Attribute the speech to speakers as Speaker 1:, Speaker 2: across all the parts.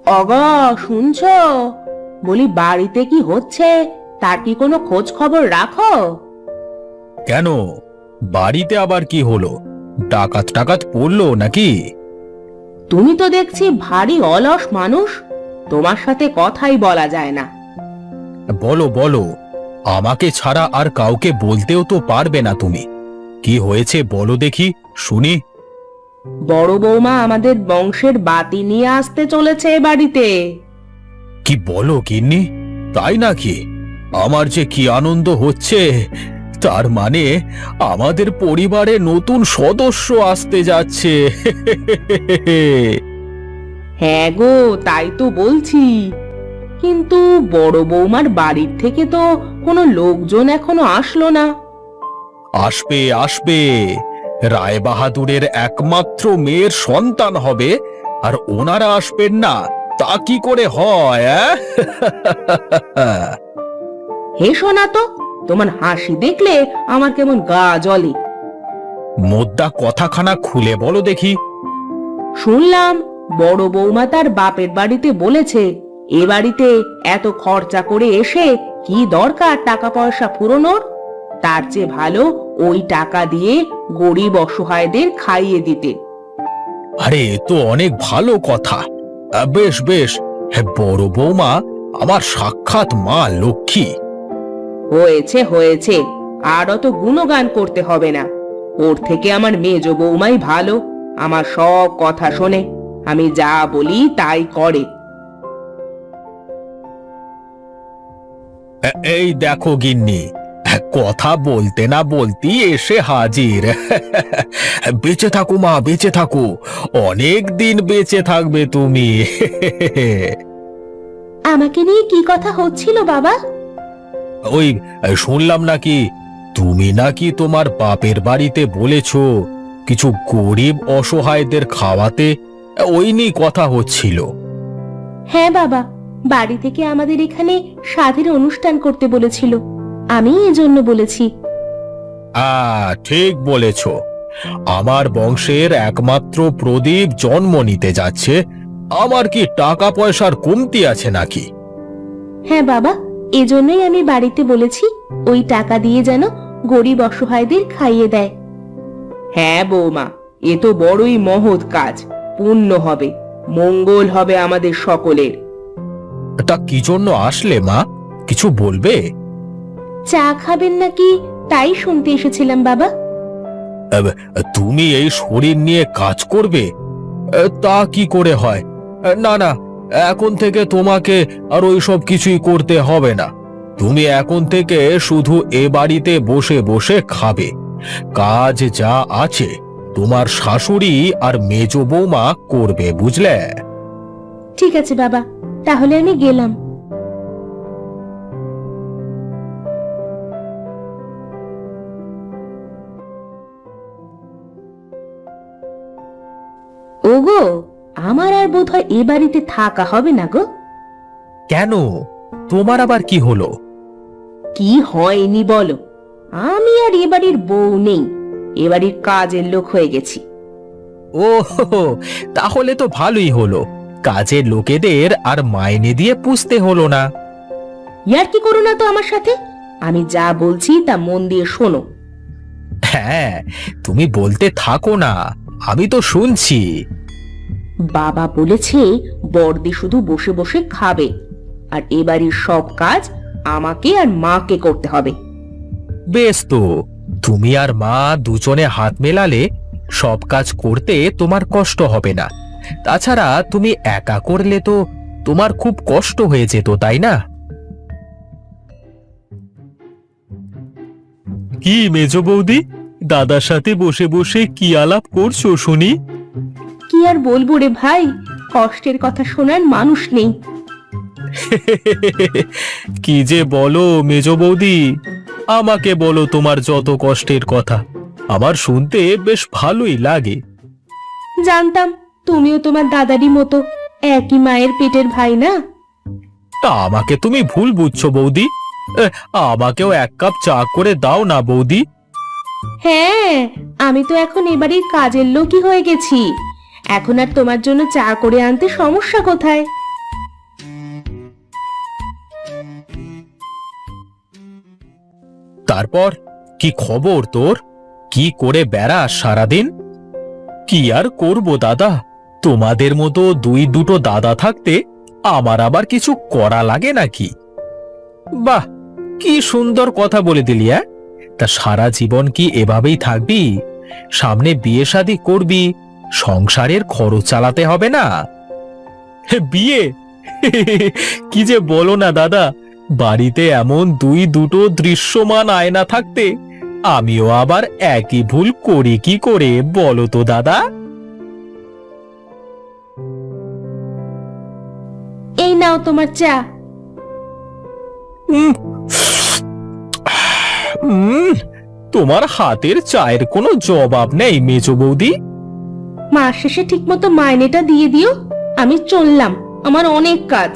Speaker 1: অগো, শুনছো? বলি, বাড়িতে কি হচ্ছে তার কি কোনো খোঁজ খবর রাখো?
Speaker 2: কেন, বাড়িতে আবার কি হলো? ডাকাত টাকাত পড়লো নাকি?
Speaker 1: তুমি তো দেখছি ভারী অলস মানুষ, তোমার সাথে কথাই বলা যায় না।
Speaker 2: বলো বলো, আমাকে ছাড়া আর কাউকে বলতেও তো পারবে না তুমি। কি হয়েছে বলো দেখি, শুনি।
Speaker 1: বড় বৌমা আমাদের বংশের বাতি নিয়ে আসতে চলেছে এ বাড়িতে।
Speaker 2: কি বলো গিন্নি, তাই নাকি? আমার যে কি আনন্দ হচ্ছে! তার মানে আমাদের পরিবারে নতুন সদস্য আসতে যাচ্ছে।
Speaker 1: হ্যাঁ গো, তাই তো বলছি। কিন্তু বড় বৌমার বাড়ির থেকে তো কোনো লোকজন এখনো আসলো না।
Speaker 2: আসবে আসবে, রায় বাহাদুরের একমাত্র মেয়ের সন্তান হবে, আর ওনারা আসবেন না তা কি করে হয়?
Speaker 1: হেসো না তো, তোমার হাসি দেখলে আমার কেমন গা জ্বলে।
Speaker 2: মোদ্দা কথাখানা খুলে বলো দেখি।
Speaker 1: শুনলাম বড় বৌমা তার বাপের বাড়িতে বলেছে এ বাড়িতে এত খরচা করে এসে কি দরকার টাকা পয়সা ফুরোনোর, তার চেয়ে ভালো ওই টাকা দিয়ে গরিব অসহায়দের খাইয়ে দিতে।
Speaker 2: আরে, এ তো অনেক ভালো কথা। বেশ বেশ, হ্যাঁ, বড় বৌমা আমার সাক্ষাৎ মা লক্ষ্মী।
Speaker 1: হয়েছে হয়েছে, আর অত গুণগান করতে হবে না। ওর থেকে আমার মেজ বৌমাই ভালো, আমার সব কথা শোনে, আমি যা বলি তাই করে।
Speaker 2: এই দেখো গিন্নি, কথা বলতে না বলতেই এসে হাজির। বেঁচে থাকো মা, বেঁচে থাকো, অনেক দিন বেঁচে থাকবে তুমি।
Speaker 1: আমাকে নিয়ে কি কথা হচ্ছিল বাবা?
Speaker 2: ওই, শুনলাম নাকি তুমি নাকি তোমার বাপের বাড়িতে বলেছ কিছু গরিব অসহায়দের খাওয়াতে, ওই নিয়ে কথা হচ্ছিল।
Speaker 1: হ্যাঁ বাবা, বাড়ি থেকে আমাদের এখানে স্বাধীন অনুষ্ঠান করতে বলেছিল, আমি এজন্য বলেছি।
Speaker 2: ঠিক বলেছ। আমার বংশের একমাত্র প্রদীপ জন্ম নিতে যাচ্ছে, আমার কি টাকা পয়সার কমতি আছে নাকি?
Speaker 1: হ্যাঁ বাবা, এজন্যই আমি বাড়িতে বলেছি ওই টাকা দিয়ে যেন গরিব অসহায়দের খাইয়ে দেয়। হ্যাঁ বৌমা, এ তো বড়ই মহৎ কাজ, পুণ্য হবে, মঙ্গল হবে আমাদের সকলের।
Speaker 2: তা কি জন্য আসলে মা, কিছু বলবে?
Speaker 1: চা খাবেন নাকি তাই শুনতে এসেছিলাম বাবা।
Speaker 2: আব, তুমি এই শরীর নিয়ে কাজ করবে? তা কি করে হয়? না না, এখন থেকে তোমাকে আর ওই সব কিছুই করতে হবে না। তুমি এখন থেকে শুধু এ বাড়িতে বসে বসে খাবে। কাজ যা আছে তোমার শাশুড়ি আর মেজ বৌমা করবে, বুঝলে?
Speaker 1: ঠিক আছে বাবা, তাহলে আমি গেলাম। ওগো, আমার আর বোধহয় এ বাড়িতে থাকা হবে না গো।
Speaker 2: কেন, তোমার আবার কি হলো?
Speaker 1: কি হয়নি বলো? আমি আর এ বাড়ির বউ নেই, এ বাড়ির কাজের লোক হয়ে গেছি।
Speaker 2: ও, তাহলে তো ভালোই হলো, কাজের লোকেদের আর মাইনে দিয়ে পুষতে হলো না।
Speaker 1: ইয়ার কি করো না তো আমার সাথে, আমি যা বলছি তা মন দিয়ে শোনো।
Speaker 2: হ্যাঁ, তুমি বলতে থাকো না, আমি তো শুনছি।
Speaker 1: বাবা বলেছে বড়দি শুধু বসে বসে খাবে, আর এ বাড়ির সব কাজ আমাকে আর মাকে করতে হবে।
Speaker 2: বেশ তো, তুমি আর মা দুজনে হাত মেলালে সব কাজ করতে তোমার কষ্ট হবে না। তাছাড়া তুমি একা করলে তো তোমার খুব কষ্ট হয়ে যেত, তাই না? কি মেজ বৌদি, দাদার সাথে বসে বসে কি আলাপ করছো শুনি?
Speaker 1: কি আর বলবো রে ভাই, কষ্টের কথা শোনার মানুষ নেই।
Speaker 2: কি যে বলো মেজ বৌদি, আমাকে বলো তোমার যত কষ্টের কথা, আমার শুনতে বেশ ভালোই লাগে।
Speaker 1: জানতাম তুমিও তোমার দাদারই মতো একই মায়ের পেটের ভাই না।
Speaker 2: তা আমাকে তুমি ভুল বুঝছো বৌদি, আমাকেও এক কাপ চা করে দাও না বৌদি।
Speaker 1: হ্যাঁ, আমি তো এখন এবারের কাজের লোকই হয়ে গেছি, এখন আর তোমার জন্য চা করে আনতে সমস্যা কোথায়?
Speaker 2: তারপর কি খবর তোর? কি করে বেড়াস সারাদিন? কি আর করব দাদা, তোমাদের মতো দুটো দাদা থাকতে আমার আবার কিছু করা লাগে নাকি? বাহ, কি সুন্দর কথা বলে দিলি। তা সারা জীবন কি এভাবেই থাকবি? সামনে বিয়ে শাদী করবি, সংসারের খরচ চালাতে হবে না? বিয়ে? কি যে বলো না দাদা, বাড়িতে এমন দুটো দৃশ্যমান আয়না থাকতে আমিও আবার একই ভুল করি কি করে বলো তো দাদা?
Speaker 1: এই নাও তোমার চা।
Speaker 2: উম, তোমার হাতের চায়ের কোনো জবাব নেই মেজো বৌদি।
Speaker 1: মাস শেষে ঠিক মতো মাইনেটা দিয়ে দিও। আমি চললাম, আমার অনেক কাজ।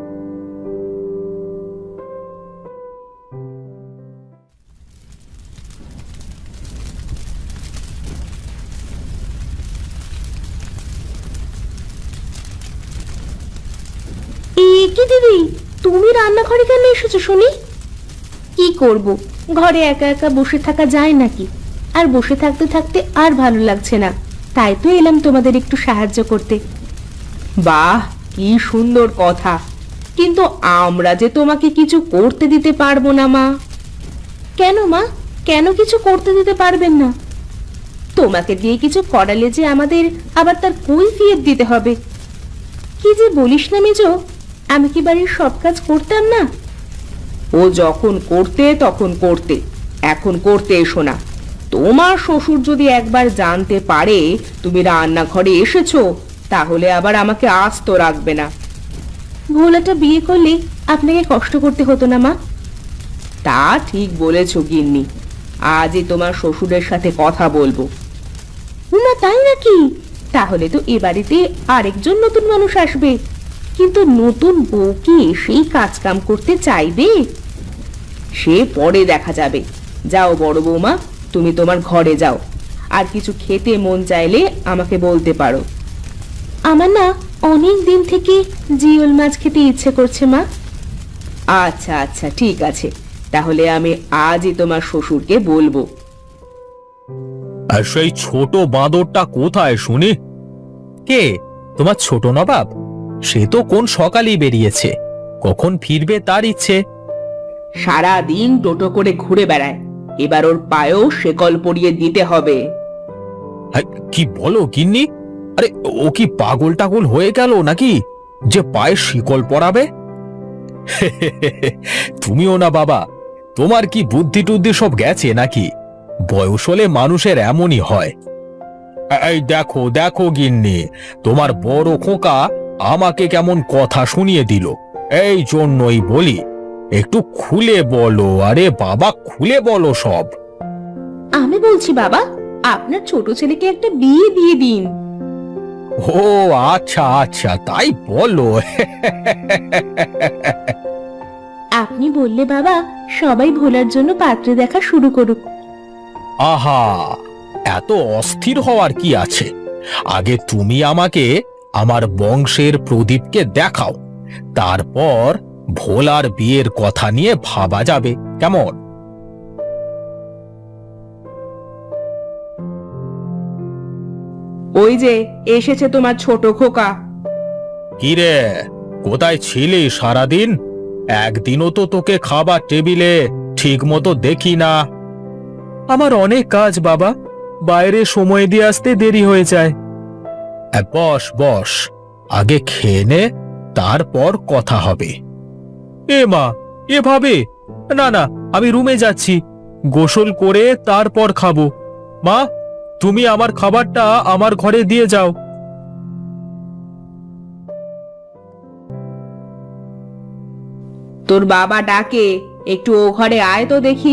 Speaker 1: কি দিদি, তুমি রান্নাঘরে কেন এসেছো শুনি? কি করব, ঘরে একা একা বসে থাকা যায় নাকি? আর বসে থাকতে থাকতে আর ভালো লাগছে না, তাই তো এলাম তোমাদের একটু সাহায্য করতে। বাহ, কি সুন্দর কথা, কিন্তু আমরা যে তোমাকে কিছু করতে দিতে পারবো না মা। কেন মা, কেন কিছু করতে দিতে পারবেন না? তোমাকে দিয়ে কিছু করালে যে আমাদের আবার তার কৈফিয়ত দিতে হবে। কি যে বলিস না মেজো, আমি কি বাড়ির সব কাজ করতাম না? ও যখন করতে তখন করতে, এখন করতে এসো না। তোমার শ্বশুর যদি একবার জানতে পারে তুমি রান্নাঘরে এসেছো, তাহলে আবার আমাকে আস্ত রাখবে না। ভোলাটা বিয়ে করলে আপনাকে কষ্ট করতে হতো না মা। তা ঠিক বলেছ গিন্নি, আজই তোমার শ্বশুরের সাথে কথা বলবো। না তাই নাকি? তাহলে তো এ বাড়িতে আরেকজন নতুন মানুষ আসবে, কিন্তু নতুন বউ কি সেই কাজ কাম করতে চাইবে? সে পরে দেখা যাবে। যাও বড় বৌমা, তুমি তোমার ঘরে যাও। আর কিছু খেতে মন চাইলে আমাকে বলতে পারো। আমার না অনেক দিন থেকে জিওল মাছ খেতে ইচ্ছে করছে মা। আচ্ছা আচ্ছা, ঠিক আছে, তাহলে আমি আজই তোমার শ্বশুরকে বলবো।
Speaker 2: আর সেই ছোট বাঁদরটা কোথায় শুনি? কে? তোমার ছোট নবাব? সে তো কোন সকালেই বেরিয়েছে, কখন ফিরবে তার ইচ্ছে।
Speaker 1: সারা দিন টোটো করে ঘুরে বেড়ায়, এবার ওর পায়েও শেকল পরিয়ে দিতে হবে।
Speaker 2: কি বলো গিন্নি? আরে ও কি পাগল টাগল হয়ে গেল নাকি যে পায়ে শিকল পরাবে? তুমিও না বাবা, তোমার কি বুদ্ধি টুদ্ধি সব গেছে নাকি? বয়স হলে মানুষের এমনই হয়। এই দেখো দেখো গিন্নি, তোমার বড় খোকা আমাকে কেমন কথা শুনিয়ে দিল। এই জন্যই বলি, একটু খুলে বলো। আরে বাবা, খুলে বলো সব।
Speaker 1: আমি বলছি বাবা, আপনার ছোট ছেলেকে একটা বিয়ে দিয়ে দিন।
Speaker 2: ও আচ্ছা আচ্ছা, তাই বলো।
Speaker 1: আপনি বললে বাবা সবাই ভোলার জন্য পাত্র দেখা শুরু করুক।
Speaker 2: আহা, এত অস্থির হওয়ার কি আছে? আগে তুমি আমাকে আমার বংশের প্রদীপকে দেখাও, তারপর ভোলার বিয়ের কথা নিয়ে ভাবা যাবে, কেমন?
Speaker 1: ওই যে এসেছে তোমার ছোট খোকা।
Speaker 2: কিরে, কোথায় ছিলি সারাদিন? একদিনও তো তোকে খাবার টেবিলে ঠিক মতো দেখি না। আমার অনেক কাজ বাবা, বাইরে সময় দিয়ে আসতে দেরি হয়ে যায়। বস বস, আগে খেয়ে নে, তারপর কথা হবে। এ মা, এভাবে? না না, আমি রুমে যাচ্ছি, গোসল করে তারপর খাবো। মা, তুমি আমার খাবারটা আমার ঘরে দিয়ে যাও।
Speaker 1: তোর বাবা ডাকে, একটু ও ঘরে আয় তো দেখি।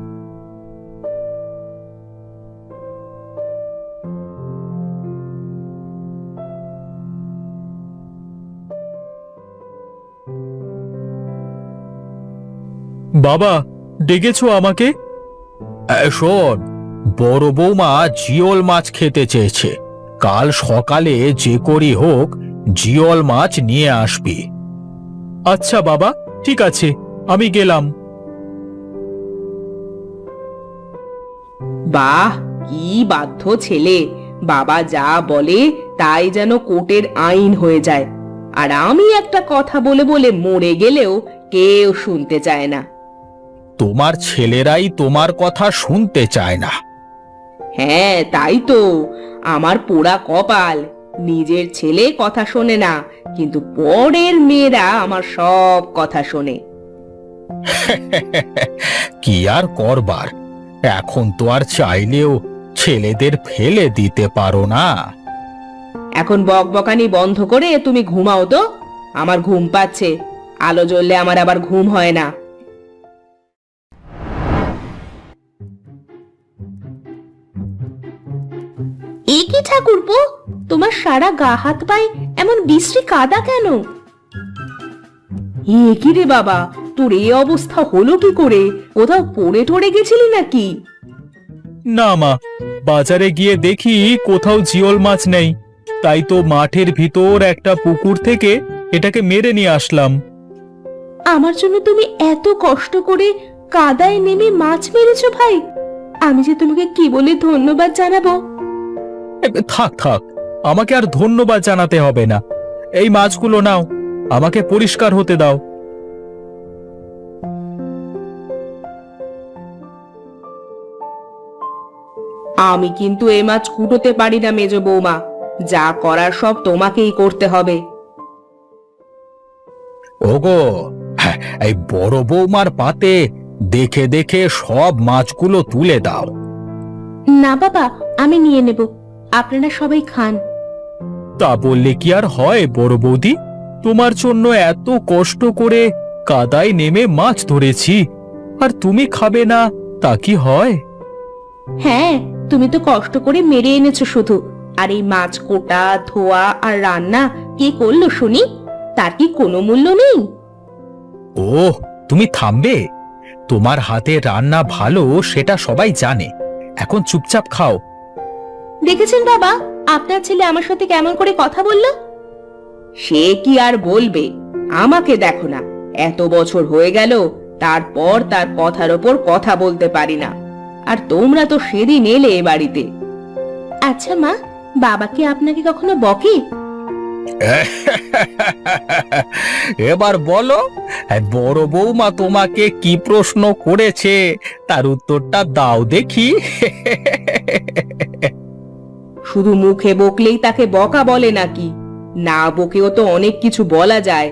Speaker 2: বাবা, ডেকেছো আমাকে? শোন, বড় বৌমা জিওল মাছ খেতে চেয়েছে, কাল সকালে যে করি হোক জিওল মাছ নিয়ে আসবি। আচ্ছা বাবা, ঠিক আছে, আমি গেলাম।
Speaker 1: বাহ, কি বাধ্য ছেলে! বাবা যা বলে তাই যেন কোর্টের আইন হয়ে যায়। আর আমি একটা কথা বলে বলে মরে গেলেও কেউ শুনতে চায় না।
Speaker 2: তোমার ছেলেরাই তোমার কথা শুনতে চায় না।
Speaker 1: হ্যাঁ, তাই তো। আমার পোড়া কপাল, নিজের ছেলে কথা শোনে না, কিন্তু পরের মেয়েরা আমার সব কথা শোনে।
Speaker 2: কি আর করবার, এখন তো আর চাইলেও ছেলেদের ফেলে দিতে পারো না।
Speaker 1: এখন বকবকানি বন্ধ করে তুমি ঘুমাও তো, আমার ঘুম পাচ্ছে। আলো জ্বললে আমার আবার ঘুম হয় না। এ কি ঠাকুরপো, তোমার সারা গা হাত পায়ে এমন বিশ্রী কাদা কেন? এ কি রে বাবা, তোর এই অবস্থা হলো কি করে? কোথাও পড়ে টড়ে গেছিলি নাকি?
Speaker 2: না মা, বাজারে গিয়ে দেখি কোথাও জিওল মাছ নেই, তাই তো মাঠের ভিতর একটা পুকুর থেকে এটাকে মেরে নিয়ে আসলাম।
Speaker 1: আমার জন্য তুমি এত কষ্ট করে কাদায় নেমে মাছ মেরেছো ভাই, আমি যে তোমাকে কি বলে ধন্যবাদ জানাবো।
Speaker 2: থাক থাক, আমাকে আর ধন্যবাদ জানাতে হবে না। এই মাছগুলো নাও, আমাকে পরিষ্কার হতে দাও।
Speaker 1: আমি কিন্তু এ মাছ কুটোতে পারি না মেজো বৌমা, যা করার সব তোমাকেই করতে হবে।
Speaker 2: ওগো, হ্যাঁ, এই বড় বৌমার পাতে দেখে দেখে সব মাছগুলো তুলে দাও।
Speaker 1: না বাবা, আমি নিয়ে নেব, আপনারা সবাই খান।
Speaker 2: তা বললে কি আর হয় বড় বৌদি? তোমার জন্য এত কষ্ট করে কাদায় নেমে মাছ ধরেছি, আর তুমি খাবে না, তা কি হয়?
Speaker 1: হ্যাঁ, তুমি তো কষ্ট করে মেরে এনেছো শুধু, আর এই মাছ কোটা, ধোয়া আর রান্না কে করলো শুনি? তার কি কোনো মূল্য নেই?
Speaker 2: ওহ, তুমি থামবে? তোমার হাতে রান্না ভালো সেটা সবাই জানে, এখন চুপচাপ খাও।
Speaker 1: দেখেছেন বাবা, আপনার ছেলে আমার সাথে কেমন করে কথা বললো? সে কি আর বলবে, আমাকে দেখো না, এত বছর হয়ে গেল, তারপর তার কথার ওপর কথা বলতে পারি না। আর তোমরা তো সেদিন এলে এ বাড়িতে। আচ্ছা মা, বাবা কি আপনাকে কখনো বকে?
Speaker 2: এবার বলো, বড় বৌমা তোমাকে কি প্রশ্ন করেছে, তার উত্তরটা দাও দেখি।
Speaker 1: শুধু মুখে বকলেই তাকে বকা বলে নাকি? না বকেও তো অনেক কিছু বলা যায়।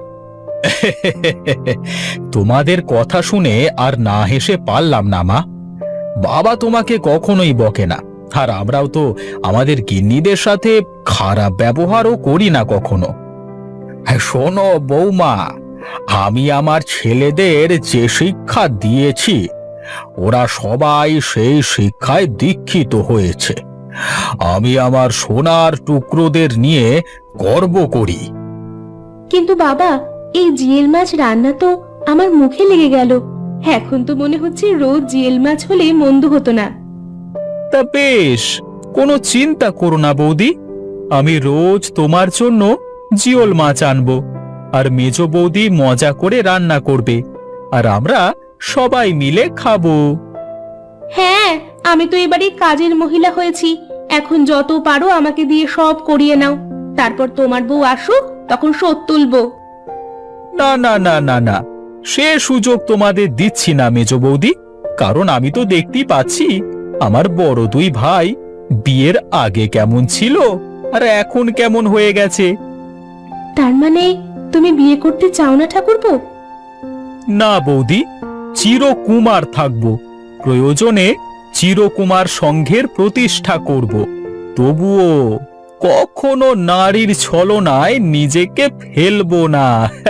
Speaker 2: তোমাদের কথা শুনে আর না হেসে পারলাম না মা। বাবা তোমাকে কখনোই বকে না, আর আমরাও তো আমাদের গিন্নিদের সাথে খারাপ ব্যবহারও করি না কখনো। হ্যাঁ, শোনো বৌমা, আমি আমার ছেলেদের যে শিক্ষা দিয়েছি, ওরা সবাই সেই শিক্ষায় দীক্ষিত হয়েছে। আমি আমার সোনার টুকরোদের নিয়ে গর্ব করি।
Speaker 1: কিন্তু বাবা, এই জিয়েল মাছ রান্না তো আমার মুখে লেগে গেল। এখন তো মনে হচ্ছে রোজ জিয়েল মাছ হলে মন্দ হতো না।
Speaker 2: তা বেশ, কোনো চিন্তা করো না বৌদি, আমি রোজ তোমার জন্য জিওল মাছ আনবো, আর মেজ বৌদি মজা করে রান্না করবে, আর আমরা সবাই মিলে খাবো।
Speaker 1: হ্যাঁ, আমি তো এবারে কাজের মহিলা হয়েছি, এখন যত পারো আমাকে দিয়ে সব করিয়ে নাও, তারপর তোমার বউ আসুক, তখন শোধ তুলবো।
Speaker 2: না না না না না, সে সুযোগ তোমাদের দিচ্ছি না মেজ বৌদি, কারণ আমি তো দেখতেই পাচ্ছি আমার বড় দুই ভাই বিয়ের আগে কেমন ছিল আর এখন কেমন হয়ে গেছে।
Speaker 1: তার মানে তুমি বিয়ে করতে চাও না ঠাকুরপো?
Speaker 2: না বৌদি, চিরকুমার থাকবো, প্রয়োজনে চিরকুমার সংঘের প্রতিষ্ঠা করব, তবুও কখনো নারীর ছলনায় নিজেকে ফেলবো না।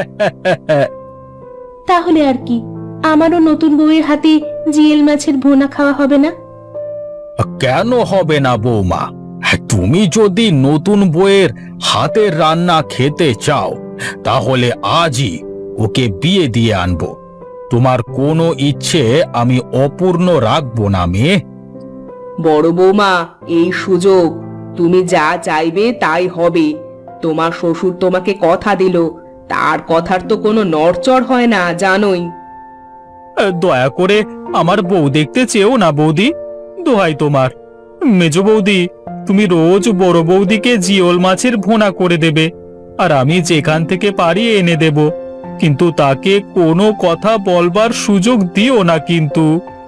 Speaker 1: তাহলে আর কি, আমারও নতুন বউয়ের হাতে জিয়েল মাছের ভুনা খাওয়া হবে না?
Speaker 2: কেন হবে না বৌমা? তুমি যদি নতুন বউয়ের হাতের রান্না খেতে চাও, তাহলে আজই ওকে বিয়ে দিয়ে আনবো। তোমার কোনো ইচ্ছে আমি অপূর্ণ রাখবো না মেয়ে।
Speaker 1: বড় বৌমা, এই সুযোগ, তুমি যা চাইবে তাই হবে। তোমার শ্বশুর তোমাকে কথা দিল, তার কথার তো কোনো নড়চড় হয় না, জানোই।
Speaker 2: দয়া করে আমার বউ দেখতে চেও না বৌদি,
Speaker 3: দোহাই তোমার। মেজ বৌদি, তুমি রোজ বড় বৌদিকে জিওল মাছের ভুনা করে দেবে, আর আমি যেখান থেকে পারি এনে দেব, কিন্তু তাকে কোনো কথা বলবার সুযোগ দিও না কিন্তু।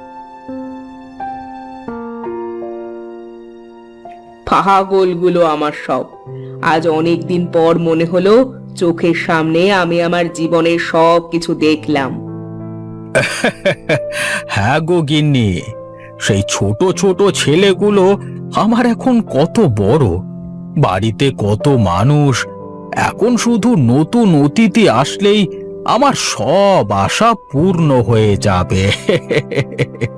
Speaker 1: পাগলগুলো আমার সব। আজ অনেক দিন পর মনে হলো চোখের সামনে আমি আমার জীবনের সব কিছু দেখলাম।
Speaker 2: হ্যাঁ গো গিন্নি, সেই ছোট ছোট ছেলেগুলো আমার এখন কত বড়, বাড়িতে কত মানুষ। এখন শুধু নতুন অতিথি আসলেই আমার সব আশা পূর্ণ হয়ে যাবে।